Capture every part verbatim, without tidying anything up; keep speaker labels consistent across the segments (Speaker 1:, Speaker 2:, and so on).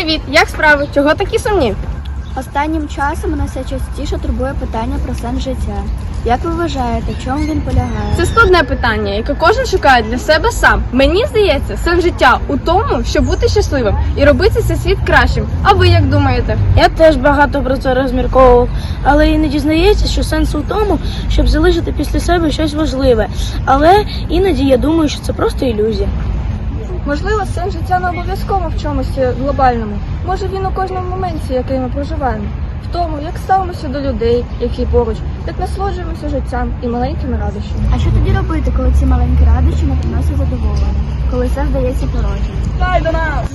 Speaker 1: Привіт! Як справи? Чого такі сумні?
Speaker 2: Останнім часом мене все частіше турбує питання про сенс життя. Як ви вважаєте, в чому він полягає?
Speaker 1: Це складне питання, яке кожен шукає для себе сам. Мені здається, сенс життя у тому, щоб бути щасливим і робити цей світ кращим. А ви як думаєте?
Speaker 3: Я теж багато про це розмірковував, але іноді здається, що сенс у тому, щоб залишити після себе щось важливе. Але іноді я думаю, що це просто ілюзія.
Speaker 4: Можливо, сенс життя не обов'язково в чомусь глобальному. Може, він у кожному моменті, який ми проживаємо. В тому, як ставимося до людей, які поруч, як насолоджуємося життям і маленькими радощами.
Speaker 2: А що тоді робити, коли ці маленькі радощі не приносять задоволення? Коли все здається порожнім?
Speaker 4: Дай до нас!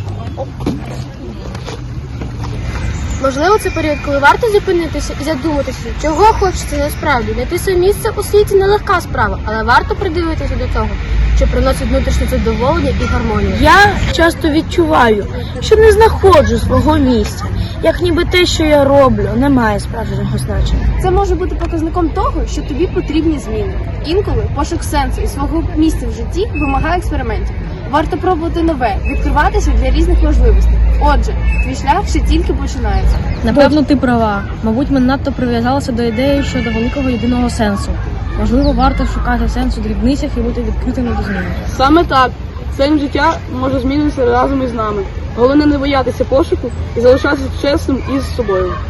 Speaker 5: Можливо, це період, коли варто зупинитися і задуматися, чого хочеться насправді. Знайти своє місце у світі нелегка справа, але варто придивитися до того, що приносить внутрішнє задоволення і гармонію.
Speaker 3: Я часто відчуваю, що не знаходжу свого місця, як ніби те, що я роблю, не має справжнього значення.
Speaker 1: Це може бути показником того, що тобі потрібні зміни. Інколи пошук сенсу і свого місця в житті вимагає експериментів. Варто пробувати нове, відкриватися для різних можливостей. Отже, твій шлях ще тільки починається.
Speaker 6: Напевно, ти права. Мабуть, ми надто прив'язалися до ідеї щодо великого єдиного сенсу. Можливо, варто шукати сенс у дрібницях і бути відкритими до змін.
Speaker 7: Саме так. Сенс життя може змінитися разом із нами. Головне не боятися пошуку і залишатися чесним із собою.